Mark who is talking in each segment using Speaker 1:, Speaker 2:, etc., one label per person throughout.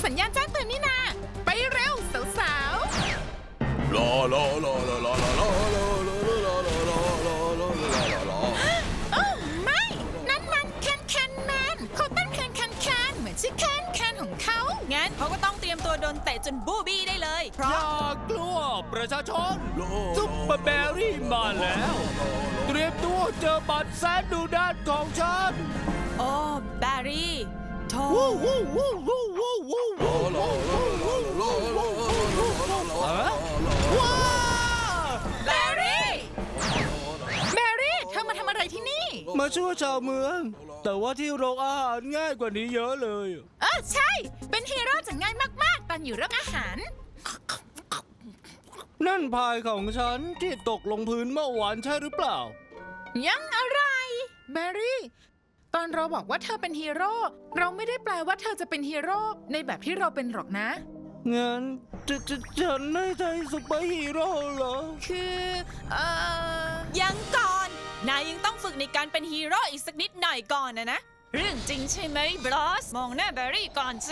Speaker 1: สัญญาณแจ้งเตือนนี่นาไปเร็วสาวๆ
Speaker 2: ลาลาลาลาลาลาลาลาลาลาลาลาลาลา
Speaker 1: โอ้ไม่นั่นมันแคนแมนเขาเต้นแคนเหมือนชื่อแคนของเขางั้นเขาก็ต้องเตรียมตัวโดนเตะจนบูบี้ได้เลยเพ
Speaker 3: อ
Speaker 1: ราะ
Speaker 3: ย่ากลัวประชาชนซุปเปอร์แบรี่มาแล้ว เตรียมตัวเจอบัตรแสนดุดันของฉัน
Speaker 1: โอ้แบรี่โธ่
Speaker 3: วู้วู้วู้วู้วู้วู้วู้วู้ว้า
Speaker 1: แบรี่เธอมาทำอะไรที่นี่
Speaker 3: มาช่วยชาวเมือง แต่ว่าที่โรงอาหารง่ายกว่านี้เยอะเลย
Speaker 1: ใช่เป็นฮีโร่จะง่ายมากๆตอนอยู่เรื่องอาหาร
Speaker 3: นั่นพายของฉันที่ตกลงพื้นเมื่อวานใช่หรือเปล่า
Speaker 1: ยังอะไรแบรี่ตอนเราบอกว่าเธอเป็นฮีโร่เราไม่ได้แปลว่าเธอจะเป็นฮีโร่ในแบบที่เราเป็นหรอกนะ
Speaker 3: งั้นฉันไม่ใช่ซุปเปอร์ฮีโร่เหรอ
Speaker 1: คือ
Speaker 4: ยังก่อน นายยังต้องฝึกในการเป็นฮีโร่อีกสักนิดหน่อยก่อนนะ
Speaker 1: เรื่องจริงใช่ไหมบลอส
Speaker 4: มองหน้าแบรี่ก่อนสิ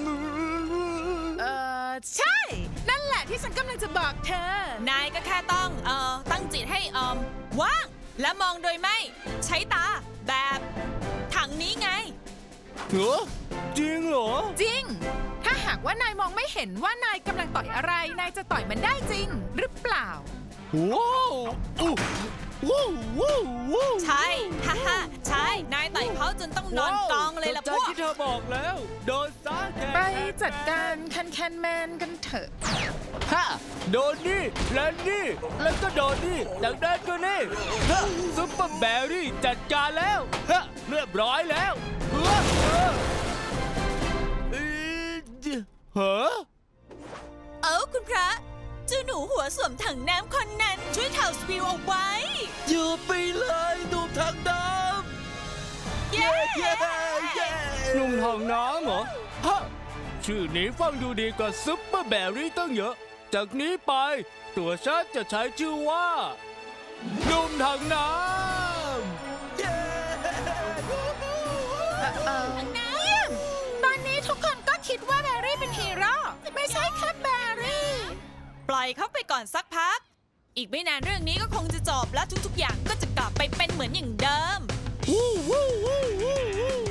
Speaker 1: ใช่ นั่นแหละที่ฉันกำลังจะบอกเธอ
Speaker 4: นายก็แค่ต้องตั้งจิตให้ว่าง และมองโดยไม่ใช้ตาแบบถังนี้ไง
Speaker 3: เหรอจริงเหรอ
Speaker 1: จริง ถ้าหากว่านายมองไม่เห็นว่านายกำลังต่อยอะไร นายจะต่อยมันได้จริง หรือเปล่า
Speaker 3: ว้าวอู้วู้วู้วู้
Speaker 4: ใช่ ฮ่าฮ่าใช่ นายต่อยเขาจนต้องนอนกองเลยล่ะ
Speaker 3: ใจ
Speaker 4: พวก
Speaker 3: ที่เธอบอกแล้ว โดนซะแค่
Speaker 1: ไปจัดการแคนแมนกันเถอะ
Speaker 3: ฮะโดนนี่และนี่ แล้วก็โดนนี่จากนั้นก็นี่ฮะซุปเปอร์แบรี่จัดการแล้วฮะเรียบร้อยแล้วฮะฮะ
Speaker 4: เอ้าคุณพระเจ้าหนูหัวสวมถังน้ำคนนั้นช่วยเถ่าสปิวเอาไว้
Speaker 3: อยู่ไปเลยดูทางน้
Speaker 4: เย้
Speaker 3: ำนุ่งทางน้ำเหรอฮะชื่อนี้ฟังดูดีกว่าซุปเปอร์แบรี่ตั้งเยอะ จากนี้ไปตัวฉันจะใช้ชื่อว่านุ่มทางน้ำ
Speaker 1: เยี่ยม ตอนนี้ทุกคนก็คิดว่าแบรี่เป็นฮีโร่ไม่ใช่แค่แบรี่
Speaker 4: ปล่อยเขาไปก่อนสักพัก อีกไม่นานเรื่องนี้ก็คงจะจบและทุกๆอย่างก็จะกลับไปเป็นเหมือนอย่างเดิม
Speaker 3: วู้วู้วู้วู้วู้